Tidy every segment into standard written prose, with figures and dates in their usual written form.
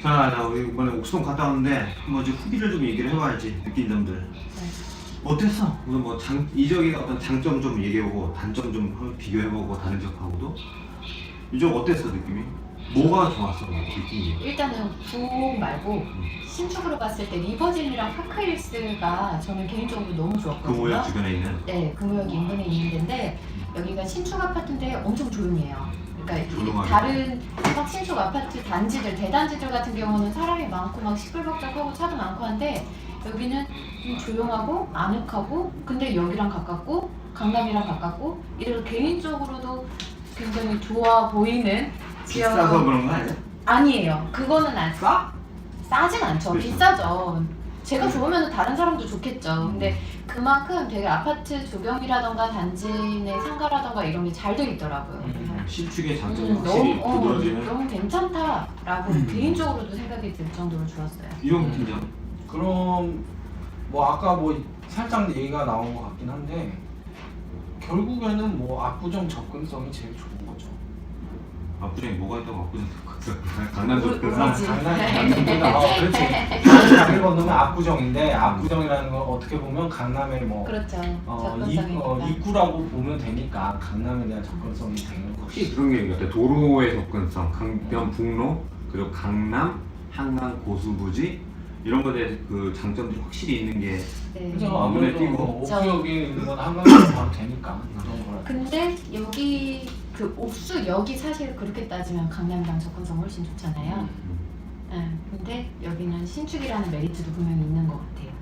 자, 나 우리 이번에 옥수동 갔다 왔는데 한번 이제 후기를 좀 얘기를 해봐야지. 느낀 점들. 어땠어? 오늘 뭐 이적의 어떤 장점 좀 얘기해보고 단점 좀 한번 비교해보고 다른 지역하고도. 이적 어땠어 느낌이? 뭐가 좋았어 느낌이? 일단은 부곡 말고 신축으로 봤을 때 리버진이랑 파크힐스가 저는 개인적으로 너무 좋았거든요. 금호역 주변에 있는. 네, 금호역 인근에 있는 데인데 여기가 신축 아파트인데 엄청 조용해요. 그러니까 조용하게. 다른 막 신축 아파트 단지들, 대단지들 같은 경우는 사람이 많고 막 시끌벅적하고 차도 많고 한데 여기는 좀 조용하고 아늑하고 근데 여기랑 가깝고 강남이랑 가깝고 이래서 개인적으로도 굉장히 좋아 보이는 지역. 비싸서 그런 거 아니야? 아니에요. 그거는 안 싸? 싸진 않죠. 그렇죠. 비싸죠. 제가 좋으면 다른 사람도 좋겠죠. 근데 그만큼 되게 아파트 조경이라던가 단지 내 상가라던가 이런 게 잘 돼 있더라고요. 그래서 신축의 장점이 확실히 너무, 두드러지는. 너무 괜찮다라고 개인적으로도 생각이 들 정도로 좋았어요. 이용 팀장. 그럼 뭐 아까 뭐 살짝 얘기가 나온 것 같긴 한데 결국에는 뭐 압구정 접근성이 제일 좋은 거죠. 압구정에 뭐가 있다고 압구정 강남도 뭐지? 강남입니다. 그렇지. 다리를 건너면 압구정인데 압구정이라는 건 어떻게 보면 강남의 뭐 그렇죠. 접근성이니까. 입구라고 보면 되니까 강남에 대한 접근성이 되는 확실히 것이. 그런 게 있는 것 같아. 도로의 접근성, 강변북로, 그리고 강남, 한강 고수부지 이런 것에 대해서 그 장점들이 확실히 있는 게. 네. 그죠. 눈에 아무래도 띄고. 옥수역에 있는 건 한강에서 바로 되니까 그런 거라. 근데 여기 그 옥수역이 사실 그렇게 따지면 강남이랑 접근성 훨씬 좋잖아요. 네, 근데 여기는 신축이라는 메리트도 분명히 있는 것 같아요.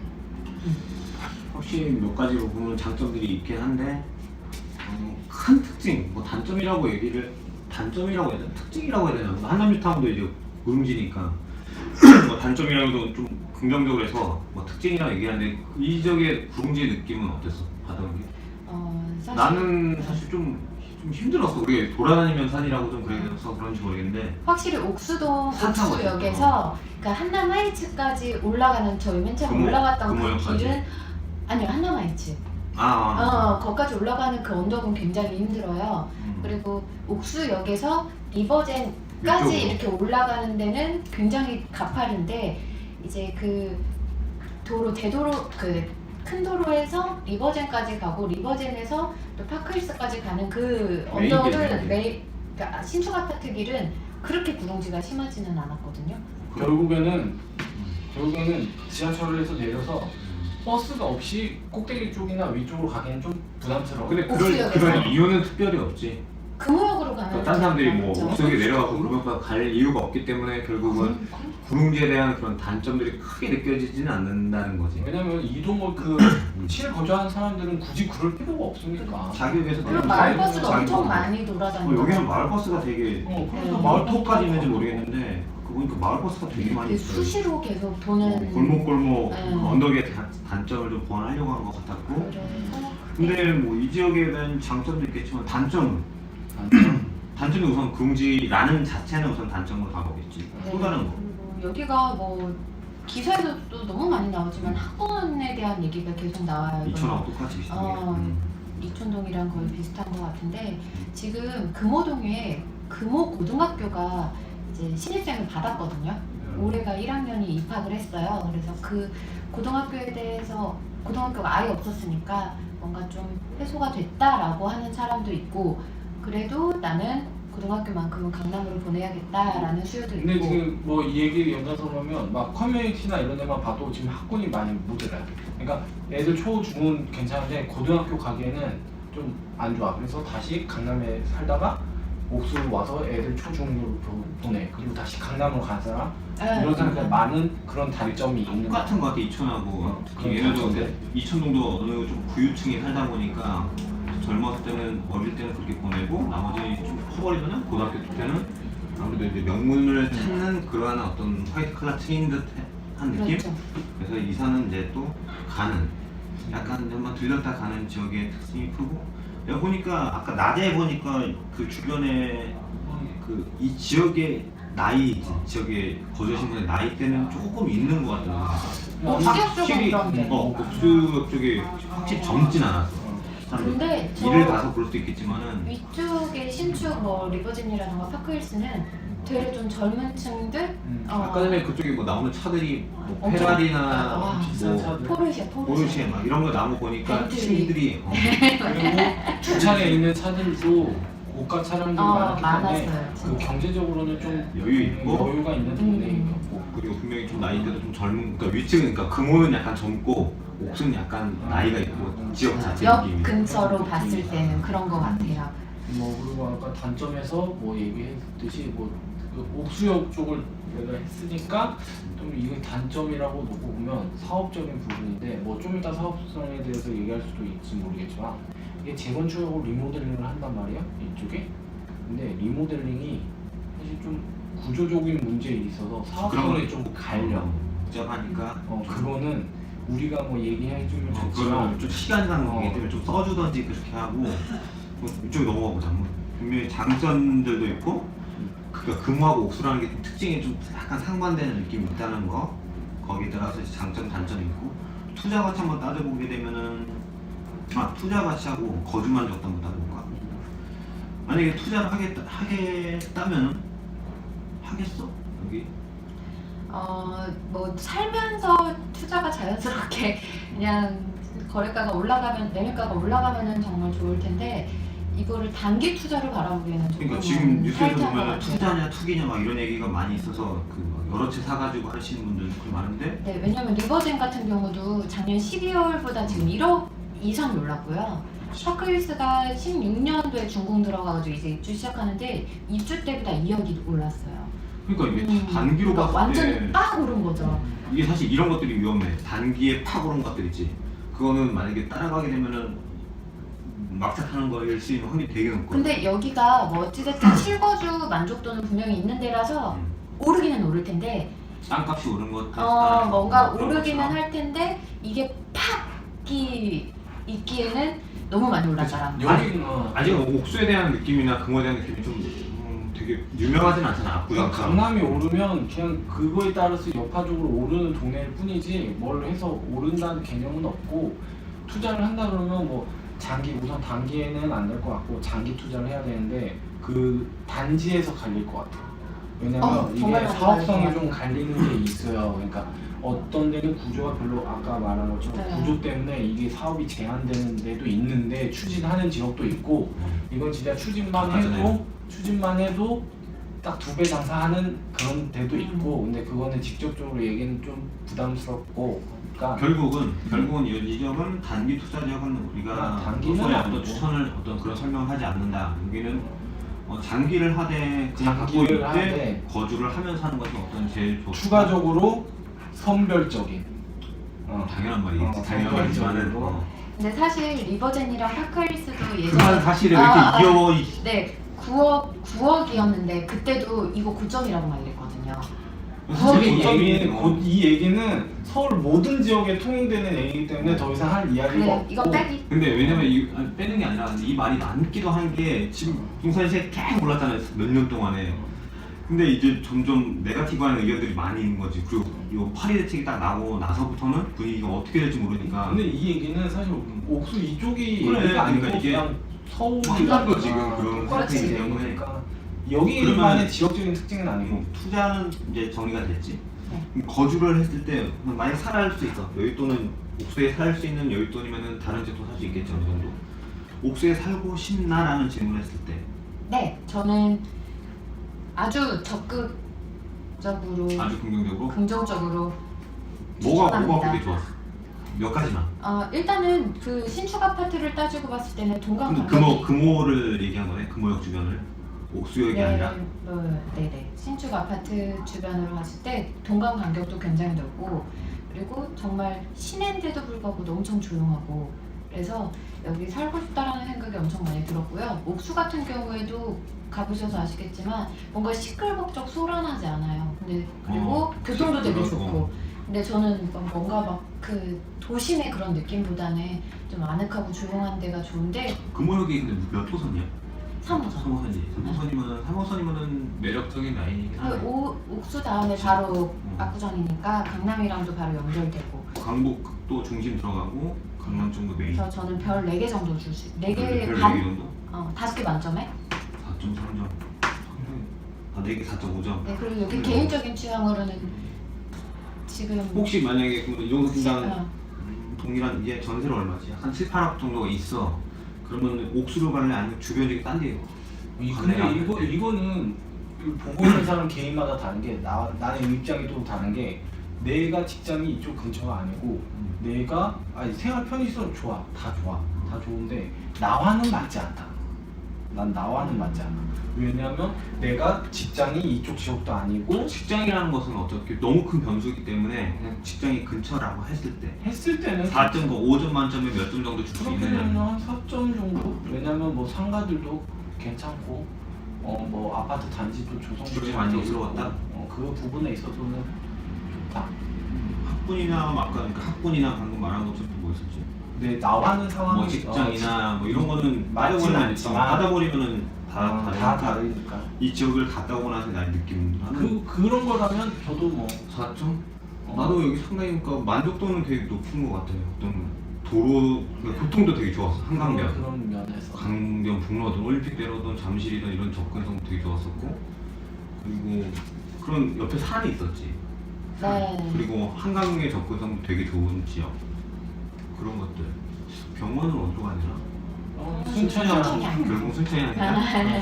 확실히 몇 가지로 보면 장점들이 있긴 한데 큰 특징, 뭐 단점이라고 단점이라고 해야 되나? 특징이라고 해야 되나? 뭐 한남뉴타운도 이제 무릉지니까 뭐 단점이라고도 좀 긍정적으로 해서 뭐 특징이라고 얘기하는데 이 지역의 구릉지의 느낌은 어땠어? 받아본 게? 사실 나는 사실 좀 힘들었어. 우리 돌아다니면서 산이라고 좀 그래서 그런지 모르겠는데 확실히 옥수동 산 타고 옥수역에서 그 한남 하이츠까지 올라가는 저희 맨 처음 금호- 올라갔던 그 금호역까지? 길은 아니요 한남 하이츠. 아, 거기까지 올라가는 그 언덕은 굉장히 힘들어요. 그리고 옥수역에서 리버젠까지 이쪽으로. 이렇게 올라가는 데는 굉장히 가파른데 이제 그 도로 대도로 그 큰 도로에서 리버젠까지 가고 리버젠에서 또 파크힐스까지 가는 그 메인 언덕은 길이네. 그러니까 신축 아파트 길은 그렇게 구렁지가 심하지는 않았거든요. 결국에는 지하철에서 내려서 버스가 없이 꼭대기 쪽이나 위쪽으로 가기는 좀 부담스러워. 근데 옥수역에서. 그런 이유는 특별히 없지. 금호역으로 가면 그러니까 딴 사람들이 뭐 그렇죠. 옥수역에 내려가고 그것보다 갈 이유가 없기 때문에 결국은 구릉지에 대한 그런 단점들이 크게 느껴지지는 않는다는 거지. 왜냐면 이동을 시를 거주하는 사람들은 굳이 그럴 필요가 없으니까. 자기에서 그리고 음. 마을버스도 자기 엄청 거. 많이 돌아다니고 여기는 마을버스가 되게 그래서 마을터까지 있는지 모르겠는데 그 보니까 마을버스가 되게 많이 있어요. 수시로 계속 도는 골목골목 네. 언덕의 단점을 좀 보완하려고 한 것 같았고 그래서 근데 뭐 이 지역에 대한 장점도 있겠지만 단점이 우선 구릉지라는 자체는 우선 단점으로 다가오겠지. 또 다른 거. 그리고 여기가 뭐 기사에서도 너무 많이 나오지만 학번에 대한 얘기가 계속 나와요. 이천하고 똑같이 비슷하게. 이촌동이랑 거의 비슷한 것 같은데 지금 금호동에 금호고등학교가 이제 신입생을 받았거든요. 올해가 1학년이 입학을 했어요. 그래서 그 고등학교에 대해서 고등학교가 아예 없었으니까 뭔가 좀 해소가 됐다라고 하는 사람도 있고 그래도 나는 고등학교만큼은 강남으로 보내야겠다라는 수요도 근데 있고 지금 뭐 이 얘기 연장선으로 하면 막 커뮤니티나 이런 데만 봐도 지금 학군이 많이 모자라요. 그러니까 애들 초, 중은 괜찮은데 고등학교 가기에는 좀 안 좋아. 그래서 다시 강남에 살다가 옥수로 와서 애들 초, 중으로 보내. 그리고 다시 강남으로 간 사람 이런 사람들 많은 그런 단점이 있는 것 똑같은 것 같아 이천하고 특히 그런 얘네도 단점들. 이천동도 어느 좀 부유층이 살다 보니까 젊었을 때는 어릴 때는 그렇게 보내고 나머지 좀 커버리면 고등학교 때는 아무래도 이제 명문을 찾는 그러한 어떤 화이트 칼라 트인 듯한 느낌? 그렇죠. 그래서 이사는 이제 또 가는 약간 좀만 들렸다 가는 지역의 특징이 크고 내가 보니까 아까 낮에 보니까 그 주변에 그 이 지역의 지역에 거주하신 분의 나이대는 조금 있는 것 같더라고요. 옥수역 쪽은 확실히 그런데. 옥수역 쪽이 확실히 젊진 않았어. 사람들. 근데 저 일을 가서 그럴 수도 있겠지만은 위쪽에 신축 뭐 리버진이라던가 파크힐스는 되게 좀 젊은 층들 아까 전에 그쪽에 뭐 나오는 차들이 뭐 엄청 페라리나 와, 비싼 뭐 차들. 포르쉐 막 이런 거 나오고 보니까 벤틀리. 친구들이 그리고 주차장에 있는 차들도 고가 차량들이 많기 때문에 많았어요. 그 진짜. 경제적으로 좀 여유 있고. 여유가 있는 동네였고 그리고 분명히 좀 나이대도 좀 젊은, 그러니까 위층은 그러니까 금호는 약간 젊고 옥수는 약간 나이가 있고 지역 자체 역 느낌이. 근처로 봤을 때는 그런 것 같아요. 뭐 그리고 아까 단점에서 뭐 얘기했듯이 그 옥수역 쪽을 내가 했으니까 좀 이게 단점이라고 놓고 보면 사업적인 부분인데 뭐 좀 이따 사업성에 대해서 얘기할 수도 있을지 모르겠지만 이게 재건축하고 리모델링을 한단 말이야 이쪽에. 근데 리모델링이 사실 좀 구조적인 문제에 있어서 사업성이 좀 갈려. 복잡하니까 그거는 우리가 뭐 얘기해주면 그거는 좋지만 좀 시간상 얘기 때문에 좀 써주던지 그렇게 하고 뭐 이쪽에 넘어가 보자. 뭐 분명히 장점들도 있고, 그러니까 금호하고 옥수라는 게 좀 특징이 좀 약간 상반되는 느낌이 있다는 거. 거기에 따라서 이제 장점 단점이 있고, 투자 가치 한번 따져보게 되면은 투자 가치하고 거주 만족도 한번 따져볼까? 만약에 투자를 하겠다면 하겠어? 여기? 뭐 살면서 투자가 자연스럽게 그냥 거래가가 올라가면 매매가가 올라가면은 정말 좋을 텐데 이거를 단기 투자를 바라보기에는 조금 그러니까 지금 뉴스에서 타이트한 것 보면 같아요. 투자냐 투기냐 막 이런 얘기가 많이 있어서 그 여러 채 사가지고 하시는 분들도 많은데 네, 왜냐면 리버젠 같은 경우도 작년 12월보다 지금 1억 이상 올랐고요. 파크힐스가 16년도에 준공 들어가가지고 이제 입주 시작하는데 입주 때보다 2억이 올랐어요. 그러니까 이게 단기로 그러니까 봤을 때 완전 빡 오른 거죠. 이게 사실 이런 것들이 위험해. 단기에 팍 오른 것들 있지. 그거는 만약에 따라가게 되면은 막차 타는 거일 수 있는 확률이 되게 높고. 근데 여기가 뭐 어찌됐든 실거주 만족도는 분명히 있는 데라서 오르기는 오를 텐데 땅값이 오른 것 뭔가 그런 오르기는 것처럼. 할 텐데 이게 팍이 있기에는 너무 많이 올랐더라. 여기는 아직 옥수에 대한 느낌이나 금호에 대한 느낌이 좀 되게 유명하진 않잖아. 압구정 강남이 오르면 그냥 그거에 따라서 여파적으로 오르는 동네일 뿐이지 뭘 해서 오른다는 개념은 없고, 투자를 한다 그러면 뭐 우선 단기에는 안 될 것 같고 장기 투자를 해야 되는데 그 단지에서 갈릴 것 같아요. 왜냐면 이게 정말 사업성이 맞아요. 좀 갈리는 게 있어요. 그러니까 어떤 데는 구조가 별로 아까 말한 것처럼 네. 구조 때문에 이게 사업이 제한되는 데도 있는데 추진하는 지역도 있고, 이건 진짜 추진만 해도 딱 2배 장사하는 그런 데도 있고, 근데 그거는 직접적으로 얘기는 좀 부담스럽고, 그러니까 결국은 이 점은 단기 투자 지역은 우리가 단기는 소에 아니고. 어떤 추천을 어떤 그런 설명을 하지 않는다. 여기는 장기를 하되 그냥 갖고 장기를 있되 하되 거주를 하면서 하는 것이 어떤 제일 좋다. 추가적으로 선별적인 당연한 말이겠지. 당연한 말이지만은 선별적으로. 근데 사실 리버젠이랑 파크힐스도 그만 예전에 사실을 왜 이렇게 이겨 네 9억이었는데 그때도 이거 고점이라고 막 이랬거든요. 사실 이 얘기는 서울 모든 지역에 통용되는 얘기이기 때문에 더 이상 할 이야기가 그래 없고, 이거 빼기. 근데 왜냐면 빼는 게 아니라 이 말이 남기도 한 게 지금 부산 시세 계속 올랐잖아요. 몇 년 동안에. 근데 이제 점점 네거티브한 의견들이 많이 있는 거지. 그리고 이 파리 대책이 딱 나고 나서부터는 분위기가 어떻게 될지 모르니까. 근데 이 얘기는 사실 옥수 이쪽이 그래, 얘기가 아니고 그러니까 이게 그냥 서울이 한거 지금 그런 그렇지. 상태이기 때문에. 그러니까 여기만의 그러면 지역적인 특징은 아니고 투자는 이제 정리가 됐지. 네. 거주를 했을 때 만약 살아갈 수 있어. 여윳돈은 옥수에 살 수 있는 여윳돈이면은 다른 집도 살 수 있겠죠 어느 정도. 옥수에 살고 싶나라는 질문을 했을 때. 네 저는 아주 적극적으로 아주 긍정적으로 뭐가 추천합니다. 그게 좋았어? 몇 가지만. 일단은 그 신축 아파트를 따지고 봤을 때는 동강 근데 간격이 금호를 얘기한 거네. 금호역 주변을. 옥수역이 아니라. 네네 신축 아파트 주변으로 봤을 때 동강 간격도 굉장히 넓고, 그리고 정말 시내인데도 불구하고 엄청 조용하고, 그래서 여기 살고 싶다라는 생각이 엄청 많이 들었고요. 옥수 같은 경우에도 가보셔서 아시겠지만 뭔가 시끌벅적 소란하지 않아요. 근데 그리고 교통도 되게 그렇고. 좋고. 근데 저는 뭔가 막 그 도심의 그런 느낌보다는 좀 아늑하고 조용한 데가 좋은데. 금호역이 근데 몇 호선이야? 3호선. 3호선이면은 매력적인 라인이긴 하네. 옥수 다음에 바로 압구정이니까 강남이랑도 바로 연결되고. 강북도 중심 들어가고 강남 정도 메인. 그래서 저는 별 4개 정도 줄 수, 4개 별 반? 4개 정도? 5개 만점에? 4.3점. 아, 4개 4.5점. 네, 그리고 여기 개인적인 취향으로는 지금 혹시 만약에 이 정도 분당 어, 동일한 이게 전세로 얼마지? 한 7, 8억 정도가 있어. 그러면 옥수로 갈래 아니면 주변 지역 딴 데요? 근데 이거는 보고 있는 사람 개인마다 다른 게 나는 입장이 또 다른 게 내가 직장이 이쪽 근처가 아니고 내가 생활 편의성 좋아 다 좋은데 나와는 맞지 않다. 난 나와는 맞지 않아. 왜냐면 내가 직장이 이쪽 지역도 아니고 직장이라는 것은 어떻게 너무 큰 변수이기 때문에 그냥 직장이 근처라고 했을 때 했을 때는 4.5점 만점에 몇 점 정도 줄 수 그렇게 있느냐? 되면 한 4점 정도? 왜냐면 뭐 상가들도 괜찮고 뭐 아파트 단지도 조성도 그렇게 잘 돼 만족스러웠다? 있고, 그 부분에 있어서는 좋다. 학군이나 아까 그러니까 학군이나 방금 말한 것처럼 뭐 있었지? 근데 나와는 상황이 뭐 직장이나 뭐 이런 거는 맞지는 따져보면 않지만 하다 버리면은 다 다르니까 다르니까 이 지역을 갔다 오고 나서 난 느낌 그런 거라면 저도 뭐 4점? 나도 여기 상당히 그러니까 만족도는 되게 높은 것 같아요. 어떤 도로 그러니까 교통도 되게 좋았어. 한강변, 그런 면에서 강변 북로든 올림픽대로든 잠실이든 이런 접근성 되게 좋았었고 그리고 그런 옆에 산이 있었지. 네. 그리고 한강의 접근성도 되게 좋은 지역 그런 것들. 병원은 어디로 가냐? 순천이랑 순천이야. 결국 순천이 아니라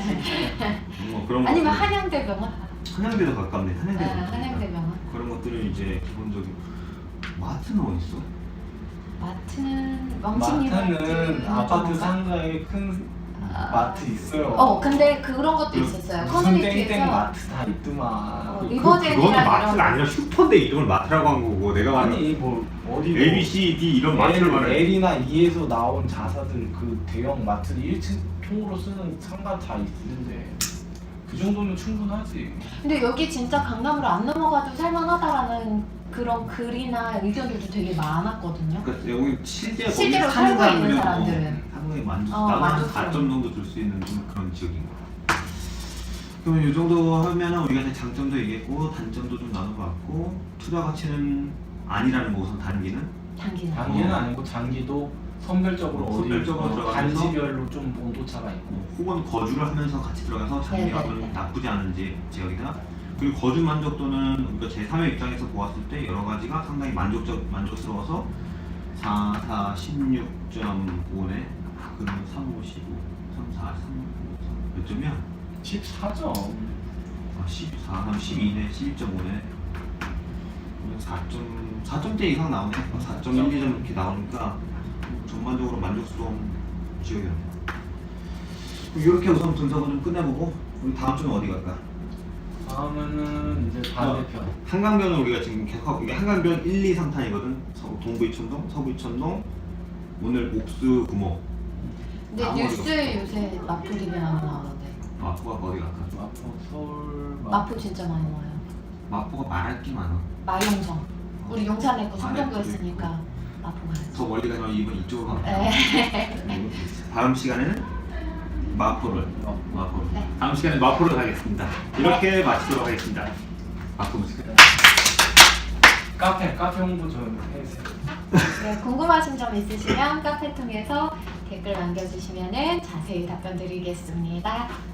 뭐 그런 아니면 것들. 한양대병원? 한양대도 가깝네. 한양대도 가깝다. 한양대병원. 그런 것들은 이제 기본적인 마트는 어디 있어? 마트는 왕십리 마트는 아파트 마트. 상가에 큰 마트 있어요. 근데 그런 것도 있었어요. 무슨 땡땡 커뮤니티에서 마트 다 있더만. 리버젠이랑 그거는 이런 마트가 아니라 슈퍼인데 이름을 마트라고 한 거고 내가 말하는 아니 뭐 어디 A, B, C, D 이런 마트를 말해. L이나 E에서 나온 자사들 그 대형 마트 1층 통으로 쓰는 상가 다 있는데 그 정도면 충분하지. 근데 여기 진짜 강남으로 안 넘어가도 살만하다라는 그런 글이나 의견들도 되게 많았거든요. 그러니까 여기 실제로 실제로 거기 사는 살고 있는 사람들은 사람들은. 상당히 만족. 어, 나도 한 만족스러워. 4점 정도 줄 수 있는 좀 그런 지역인 거. 그러면 이 정도 하면은 우리가 이제 장점도 얘기했고 단점도 좀 나눠봤고 투자 가치는 아니라는 거 우선 단기는. 단기는. 단기는 아니고 장기도 선별적으로 어디 선별적으로 들어가면서 단지별로 좀 온도차가 있고. 혹은 거주를 하면서 같이 들어가서 장기가 네네네. 좀 나쁘지 않은 지역이다. 그리고 거주 만족도는 우리가 제3의 입장에서 보았을 때 여러 가지가 상당히 만족스러워서 4, 16.5네. 그러면 3, 5, 15, 3, 4, 3, 5, 3. 몇 점이야? 14점. 14, 3, 12네. 12.5네. 4점대 이상 나오네. 4.1, 2점 이렇게 나오니까 전반적으로 만족스러운 지역이었네. 이렇게 우선 분석을 좀 끝내보고 우리 다음 주는 어디 갈까? 다음에는 이제 반대편. 한강변은 우리가 지금 계속하고 이게 한강변 1, 2, 3탄이거든. 동부 이천동, 서부 이천동, 오늘 옥수 구모. 근데 아무리 뉴스에 요새 마포 리뷰 많이 나오는데 마포가 어디 갈까? 마포, 서울, 마포 진짜 많이 나와요. 마포가 말할 게 많아. 마용성. 우리 용산에 있고 아, 성동구였으니까 마포 가야죠. 더 멀리 가면 이번 이쪽으로 갈까? 네. 다음 시간에는 마포를. 네. 다음 시간에 마포를 가겠습니다. 이렇게 마치도록 하겠습니다. 마포 무식. 카페 홍보 좀 해주세요. 네, 궁금하신 점 있으시면 카페 통해서 댓글 남겨주시면 자세히 답변 드리겠습니다.